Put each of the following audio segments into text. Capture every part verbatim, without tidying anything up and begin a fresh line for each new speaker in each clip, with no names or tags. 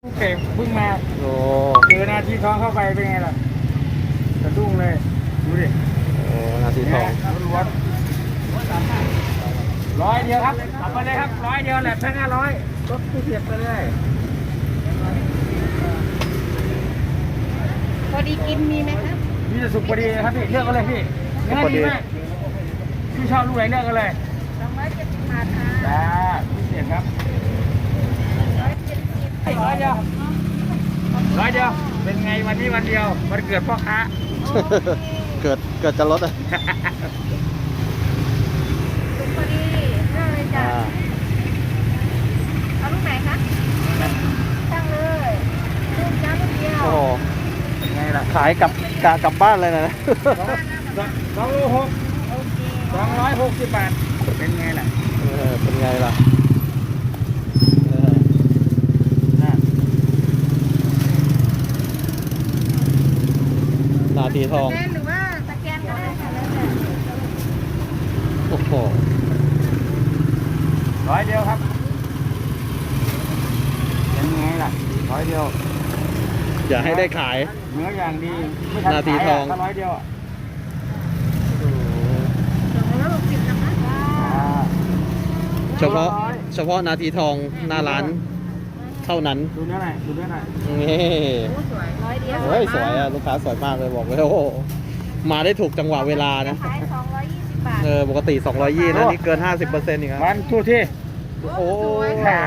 เก็บเพิ่งมา
โอ้
เจอนาทีทองเข้าไปเป็นไงล่ะกระดุ้งเลยดูดิ
โอ้นาทีทอง
ล้วนร้อยเดียวครับเอาไปเลยครับร้อยเดียวแหละแค่ห้าร้อยลดผู้เสียบไปเลย
พอดีกินมีไหมครับ
นี่จะสุกพอดีครับพี่เลือกกันเลยพี่เนื้อดีมากพี่ชอบลูกไหนเลือกกันเลย
สองร้อยเจ็ดสิบบาทค่ะ
จ้าพิเศษครับ
ร้อยเจ็ดสิบ
ร้อยเดียวร้อยเดียวเป็นไงวันนี้วันเดียววันเกิดพ่อค้า
เกิดเกิดจะลดอ่ะ
ถูกพอดีเลือกเลยจ้ะ
อ่า
เอาลูกไหนคะตั้งเลยลูกจ้าลูกเดียว
โอ้โห
เป็นไงล่ะ
ขายกลับกะกลับบ้านเลยนะ
สองโลหก
โอเค
สองร้อยหกสิบบาทเป็นไงล่ะ
เออเป็นไงล่ะเออ
น่ะ
นาทีทอง
สแกนหรือว่าสแกนก็ได้ค่ะแล้วแต่
โอ้โห
ร้อยเดียวครับเป็นไงล่ะร้อยเดียว
อย่าให้ได้ขาย
เนื้ออย่างดีไม่ทัน
นาที
ขาย
ทอง
ะถ้าร้อยเดียวอ่ะ
สองร้อยหกสิบนะคะ
อ่า
เฉพาะเฉพาะนาทีทองหน้าร้านเท่านั้น
ดูเนื้อหน่อยดูเนื้อหน่อย
นี่
โอ้สวยร้อยเดียว
เฮ้ยสวยอ่ะลูกค้าสวยมากเลยบอกเลยโอ้โหมาได้ถูกจังหวะเวลานะ
ขายสองร้อยยี่สิบบาท
เออปกติสองร้อยยี่นะนี่เกิน ห้าสิบเปอร์เซ็นต์อีกครับ
วันทูที่
โอ้
สวยค่ะ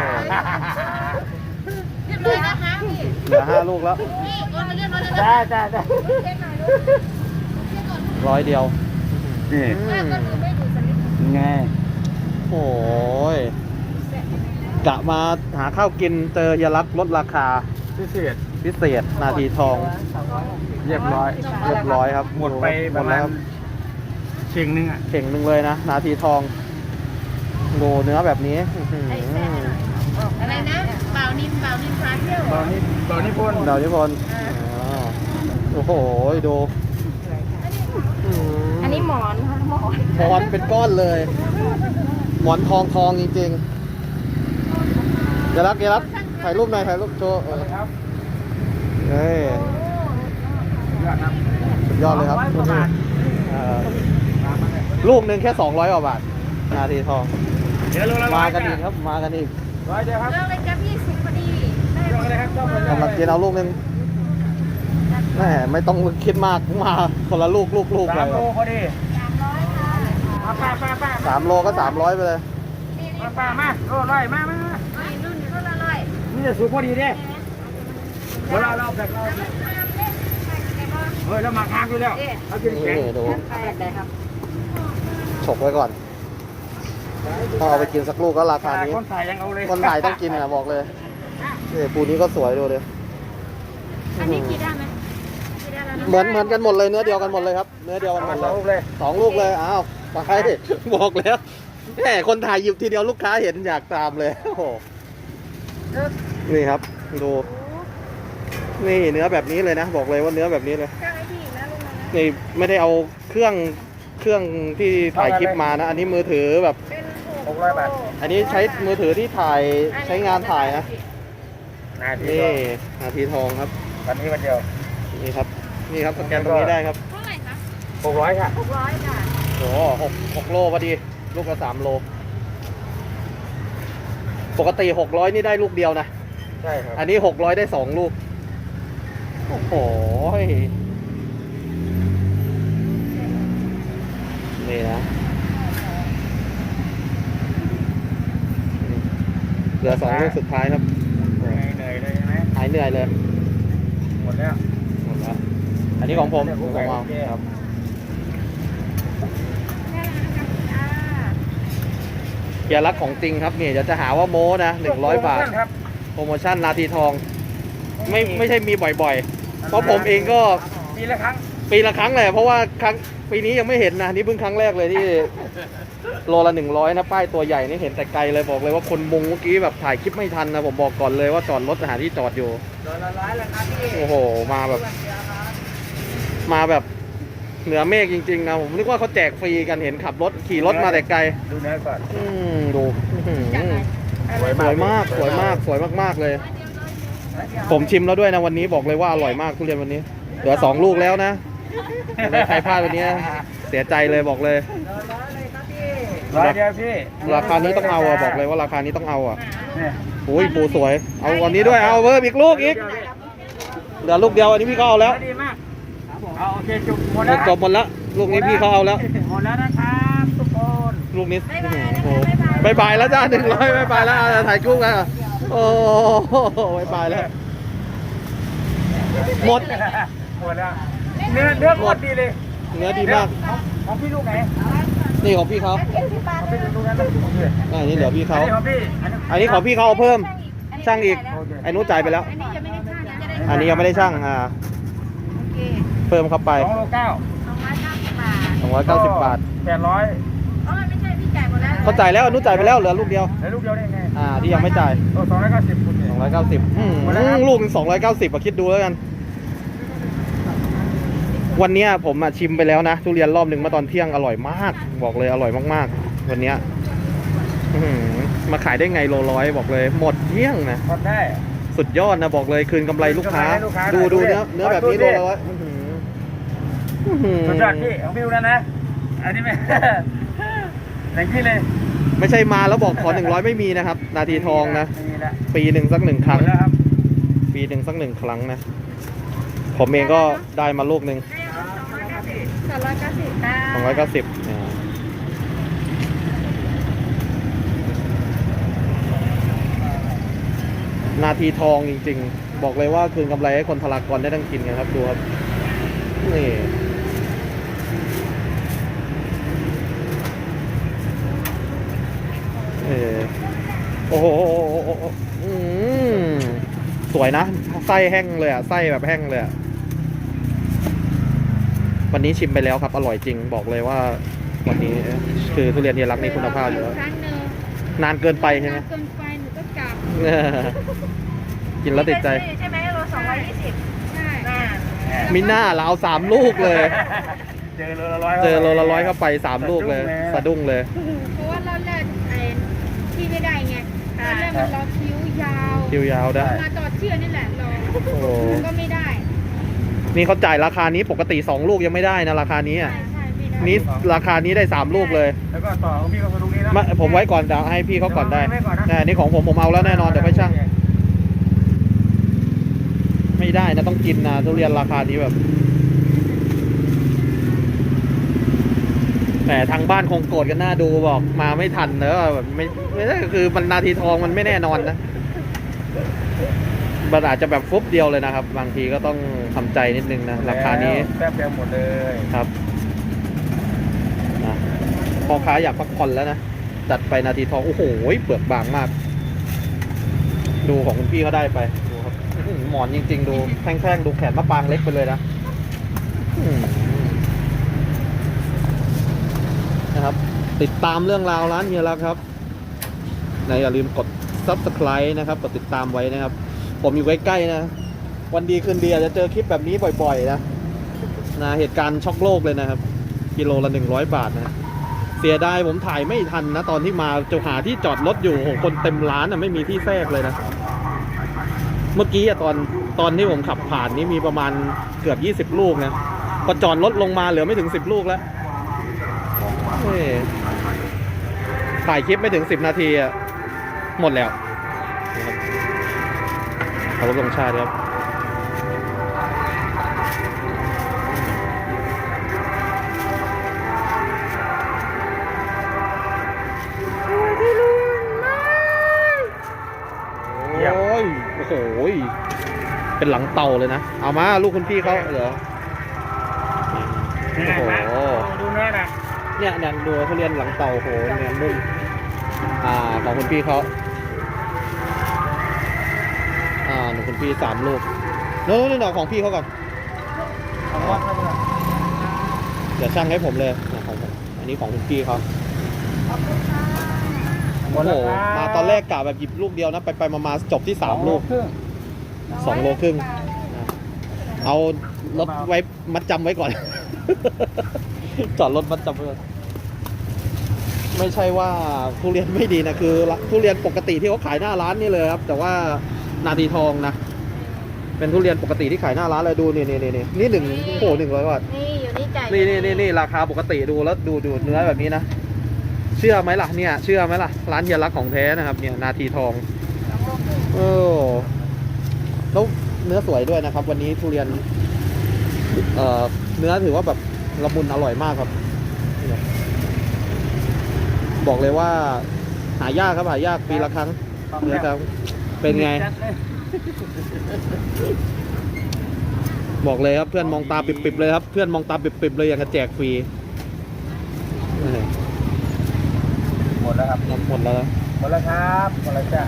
เรียบร้อยนะคะพี่
เหลือห้าลูกแล้ว
นี่โอนมาเรียบร้อยแล้วนะ
จ้าจ้าจ้า
เช็คหน่อยลูกเช็คก่อน
ร้อยเดียว
นี่
แม่ก็ดูไม่ดูสลิป
ไง
โอ้ยกะมาหาข้าวกินเจอเฮียรักลดราคา
พิเศษ
พิเศษนาทีทอง
เรียบร้อย
เรียบร้อยครับ
หมดไป
ห
ป
ม
ระ
ด
มา
แล้
ณ
ว
เข่งหนึงอ่ะ
เข่งหนึ่งเลยนะ นาทีทองดูเนื้อแบบนี้อื้อหือ
อะไรนะเปล่านิ่มเปล่านิ่มพาเที่ยว
ตอนนี้ตอนนี้พ่น
ดาวนิพนธ์อ๋อโอ้โหดูอื้อ
อันนี้หมอนค่ะหมอน
หมอนเป็นก้อนเลย หมอนทองทองจริงๆเดี๋ยวรักเดี๋ยวรักถ่ายรูปหน่อยถ่ายรูปโชว์เออ
ครับ
เฮ้ย
ยอดครับ
สุดยอดเลยครับ
สองร้อยกว่าบาท
เออลูกหนึ่งแค่สองร้อยกว่าบาท นาทีทอง
เดี๋ยวโลละร้
มา
อย
กันอีกครับ มากันอีก
ร้อยเดียวครับ
เรื่องเลยจ้ะพี่สิบพอดีได้
ยกเลยครับยกเลย
กำลังกินเอาลูกหนึงแม่ไม่ต้องคิดมากมาคนละลูกลูกลูก
สา
เล
ม
ย
โลพอดี
สามร้อยค่ะ
มาป้าป้าป้า
สามโลก็สามร้อยไปเลย
นี่นี่
มาป้ามาโลร้อยมามามา
นี่รุ่นนี้รุ่นละร้อย
นี่จะสูงพอดีเด้เวลาเราแบบเราเฮ้ยแล้วหมักหางอยู่แล้วเอากินแข็ง
นี่ดู
ไปได้ครับ
ฉกไว้ก่อนพอเอาไปกินสักลูกก็ราคานี้
คนถ่ายยังเอาเลย
คนถ่ายต้องกินนะบอกเลยนี่ปูนี้ก็สวยดูเลย
อันนี้กี่ด้านไหมกี่ด้านแล้วนะ
เหมือนเหมือนกันหมดเลยเนื้อเดียวกันหมดเลยครับ เนื้อเดียวกันหมด
ส
เล
อง
ย
ลูกเลย
สองลูกเลยอ้าวไปบอกแล้วแหมคนถ่ายหยิบทีเดียวลูกค้าเห็นอยากตามเลยโอ้โหนี่ครับดูนี่เนื้อแบบนี้เลยนะ บอกเลยว่าเนื้อแบบนี้เลย
จ้างไอ้พี่นะลุงนะ
นี่ไม่ได้เอาเครื่องเครื่องที่ถ่ายคลิปมานะ อันนี้มือถือแบบ
เป็น
หกร้อยบาท
อันนี้ใช้มือถือที่ถ่ายใช้งานถ่ายนะ
นาที
นี่นาทีทองครับ
วันนี้วันเดียว
นี่ครับ นี่ครับสแกนตรงนี้ได้ครับ
เท่าไหร่คะ
หกร้อยค่ะ
หกร้อยค่ะ
โอ้โหหกหกโลพอดี ลูกละสามโล ปกติหกร้อยนี่ได้ลูกเดียวนะ
ใช่ครับ
อันนี้หกร้อยได้สองลูก โอ้โหนี่นะเหลือสองลูกสุดท้ายครับ
เหนื่อยเหนื่อยเลยใช่ไหม
หายเหนื่อยเลย
หมดแล้ว
หมดแล้วอันนี้ของผมของผมเอาครับ
แค่นั้นนะคะจ้า
เกียร์รักของจริงครับนี่เดี๋ยวจะหาว่าโม้นะหนึ่งร้อยบาท
ครับ
โปรโมชั่นนาทีทอง ไม่ไม่ใช่มีบ่อยๆ เพราะผมเองก็
ปีละครั้ง
ปีละครั้งเลยเพราะว่าครั้งปีนี้ยังไม่เห็นนะนี่เพิ่งครั้งแรกเลยที่ โลละหนึ่งร้อยนะป้ายตัวใหญ่นี่เห็นแต่ไกลเลยบอกเลยว่าคนมุงเมื่อกี้แบบถ่ายคลิปไม่ทันนะผมบอกก่อนเลยว่าจอดรถหาที่จอดอยู่
โดนละร้อยแล้วครับพี่
โอ้โหมาแบบ มาแบบเหนือเมฆจริงๆนะผมนึกว่าเขาแจกฟรีกันเห็นขับรถขี่รถมาแต่ไกล
ดูเนื้อก่อน
อืมดูอื้อหือ
จากไหน
สวยมากสวยมากสวยมากๆเลย
เ
ผมชิมแล้วด้วยนะวันนี้บอกเลยว่าอร่อยมากทุเรียนวันนี้เหลือสองลูกแล้วนะใครพลาดวันนี้เสียใจเลยบอกเลย
ร้อยเดียวพี่
ราคานี้ต้องเอาอ่ะบอกเลยว่าราคานี้ต้องเอาอ่ะ
เนี่ย
โอ้ยปูสวย เอาวันนี้ด้วยเอาเพิ่มอีกลูกอีกเหลือลูกเดียวอันนี้พี่เขาเอาแล้ว
ดีมากเอาโอเคจุกหมดแล้ว
จบหมดแล้วลูกนี้พี่เขาเอาแล้ว
หมดแล้วนะครับทุกคน
ลูกนี้โอ้โหบายบายแล้วจ้าหนึ่งร้อยบายบายแล้วอ่ะถ่ายกุ้งอ่ะโอ้โหบายบายแล้วหมด
หมดแล้วเนื้อเนื้อหมดดีเลย
เนื้อดีมาก
ของพี่ลูกไหน
นี่ของพี่เขา
เจ็ดสิบบาท
ของ
เล
พี่
ย
ลูกนั้นลูกของพี่
อ่านี่เหลือพี่
อั
เขา
นนี้ของพี่
อันนี้ของพี่เขาเอาเพิ่มช่างอีกไอ้นู้นจ่ายไปแล้ว
อันนี้ยังไม่ได้ช่างนะจะได้
อันนี้ยังไม่ได้ช่างอ่า
โอเค
เพิ่มเข้าไป
สองโลเก้า
สองร้อยเก้าสิบบาท
สองร้อยเก้าสิบบาท
แปดร้อย
อ๋อไม่ใช่พี่จ่ายหมดแล้ว
เขาจ่ายแล้วอนุจ่ายไปแล้วเหลือลูกเดียว
แล้วลูกเดียวได้ไง
อ่าที่ยังไม่จ่าย
โอ้สองร้อยเก้าสิบคุณเนี่ย
สองร้อยเก้าสิบอืม
หมดแล้วครับ
ลูกหนึ่งสองร้อยเก้าสิบอะคิดดูแล้วกัน วันเนี้ยผมอะชิมไปแล้วนะทุเรียนรอบหนึ่งเมื่อตอนเที่ยงอร่อยมาก บอกเลยอร่อยมากๆ วันเนี้ยอื้อหือมาขายได้ไงโลร้อยบอกเลยหมดเที่ยงนะ
ทำได้
สุดยอดนะบอกเลยคืนกำไรลูกค้า
คืนกำไรให้ลูกค้า
ดู
หน่อย
ดู
ดูดิ
เนื้อเนื้อแบบนี้
ดู
โล
ดิ
ละร้อยอื้อหืออื้อหือ
สุดยอดพี่ของพี่ลูกนั้นนะ อันนี้ไม่ อย่างพี่เลย
ไม่ใช่มาแล้วบอกขอหนึ่งร้อยไม่มีนะครับ นาทีทองนะ
ไม่มีแล้ว
ปีหนึ่งสักหนึ่งค
หม
รั้ง
ดแล้วครับ
ปีหนึ่งสักหนึ่งครั้งนะ ผมเองก็ได้มาลูกหนึ่ง
สองร้อยเก้าสิบค่ะ
สองร้อยเก้าสิบนาทีทองจริงๆ บอกเลยว่าคืนกำไรให้คนพลากรได้ทั้งกินกันครับดูครับ นี่ เออโอ้โหอืมสวยนะไส้แห้งเลยอ่ะไส้แบบแห้งเลยอ่ะวันนี้ชิมไปแล้วครับอร่อยจริงบอกเลยว่า วันนี้คือทุเรียนเฮียรักนี่คุณภาพอยู่แล้ว
ครั้งหนึ่ง
นานเกินไปใช่ไหม
นานเกินไปหนูก็กลับ
เออกินแล้วติดใจ
ใช่ไหมโลสองร้อยยี่สิบใช่
มิน่าเราเอาสามลูกเลย
เจอโลละร้อย
เจอโลละร้อยเข้าไปสามลูกเลย สะดุ้งเลย
เพราะว่าเราแรกไอ้ที่ไม่ได้ไงตอนแรกมันรอคิ้วยาว
คิวยาวได้
มาต่อเชื่อนี่แหละรอ
โอ้โห
ก็ไม่ได้
นี่เขาจ่ายราคานี้ปกติสองลูกยังไม่ได้นะราคานี้
ใช่
อ่ะ
ใช่ไม่ได้
นี่ราคานี้ได้สามลูกเลย
แล้วก็ต่อของพี่ก็คือลูกนี้นะ
มาผมไว้ก่อนเดี๋ยวให้พี่เขาก่อนได้
ไว้ก่อนนะ
แต่อันนี่ของผมผมเอาแล้วแน่นอนเดี๋ยวไปช่าง ไม่ได้นะต้องกินนะทุเรียนราคานี้แบบ แต่ทางบ้านคงโกรธกันหน้าดูบอกมาไม่ทันเนอะแบบไม่ไม่ได้คือมันนาทีทองมันไม่แน่นอนนะมันอาจจะแบบฟุบเดียวเลยนะครับ บางทีก็ต้องทำใจนิดนึงนะราคานี้
แป๊บเดียวหมดเลย
ครับนะพ่อค้าอยากพักผ่อนแล้วนะจัดไปนาทีทองโอ้โหเปลือกบางมาก ดูของคุณพี่เขาได้ไปดูครับอื้อหือหมอนจริง ๆ ดูแท่งๆดูแขนมะปรางเล็กไปเลยนะอื้อหือนะครับ ติดตามเรื่องราวร้านเฮียรักครับนะอย่าลืมกด ซับสไครบ์ นะครับกดติดตามไว้นะครับ ผมอยู่ใกล้ๆนะ วันดีคืนดีอาจจะเจอคลิปแบบนี้บ่อยๆนะนะเหตุการณ์ช็อกโลกเลยนะครับกิโลละหนึ่งร้อยบาทนะเสียดายผมถ่ายไม่ทันนะตอนที่มาจะหาที่จอดรถอยู่โหคนเต็มร้านนะไม่มีที่แทรกเลยนะเมื่อกี้อะตอนตอนที่ผมขับผ่านนี้มีประมาณเกือบยี่สิบลูกนะพอจอดรถลงมาเหลือไม่ถึงสิบลูกแล้วเฮ้ยถ่ายคลิปไม่ถึงสิบนาทีอะหมดแล้วนะครับขอรบธงชาติครับโอ้ยโอ้โหเป็นหลังเต่าเลยนะเอามาลูกคุณพี่เขาเหรอโอ้โห
ดูเนื้อนะ
เนี่ยเนี่ยดูทุเรียนหลังเต่าโอ้โหเนี่ยนุ่มอ่าของคุณพี่เขาอ่าหนูคุณพี่สามลูกนู้นนี่หน่อของพี่เขาก่อน
เอาวัดให้ดูนะ
เดี๋ยวช่างให้ผมเลยเนี่ยของผมอันนี้ของคุณพี่เขา
หม
โอ้
ด
โห
แล้วครับ
มาตอนแรกกะแบบหยิบลูกเดียวนะไปไปมามาจบที่สามลูก
ครึ่ง
สองโลครึ่งนะเอารถไว้มัดจำไว้ก่อน จอดรถมัดจำไว้ก่อนไม่ใช่ว่าทุเรียนไม่ดีนะคือทุเรียนปกติที่เขาขายหน้าร้านนี่เลยครับ แต่ว่านาทีทองนะเป็นทุเรียนปกติที่ขายหน้าร้านเลยดูนี่นี่นี่นี่นี่หนึ่งโอ้โหหนึ่งร้อยบาท
นี่อยู่นี่จ่าย
นี่นี่นี่นี่ราคาปกติดูแล้วดูดูเนื้อแบบนี้นะเชื่อไหมล่ะเนี่ยเชื่อไหมล่ะร้านเฮียรักของแท้นะครับเนี่ยนาทีทอง
สองโลครึ่ง
เออแล้วเนื้อสวยด้วยนะครับ วันนี้ทุเรียนเอ่อเนื้อถือว่าแบบละมุนอร่อยมากครับเนี่ยบอกเลยว่า หายากครับหายากปีละครั้งเนื้อครับเป็นไง บอกเลยครับเพื่อนมองตาปิบๆเลยครับเพื่อนมองตาปิบๆเลยอย่างกับแจกฟรีนี่
หมดแล้วครับ
หมดแล้วนะ
หมดแล้วครับหมดแล้วจ้ะ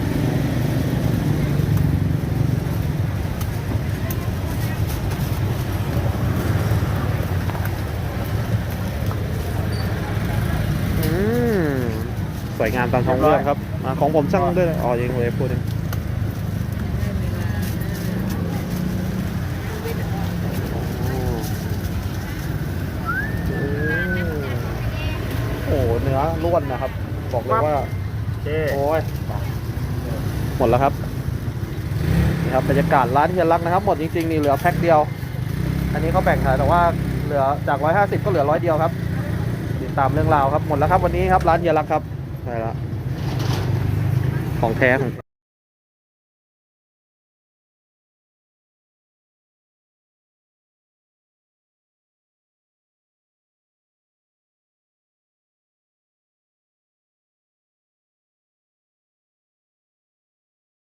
อืมสวยงามตามท้องเรื่องครับอ่าของผมช่างด้วยอ๋อยังเลยพูดเองโอ้โหเนื้อล้วนนะครับ บอกเลยว่า
โอเค
โอ้ยหมดแล้วครับนี่ครับบรรยากาศร้านเฮียรักนะครับ หมดจริงๆนี่เหลือแพ็คเดียว อันนี้เขาแบ่งขายแต่ว่าเหลือจากร้อยห้าสิบก็เหลือร้อยเดียวครับติดตามเรื่องราวครับหมดแล้วครับวันนี้ครับร้านเฮียรักครับไปแล้วของแท้ของ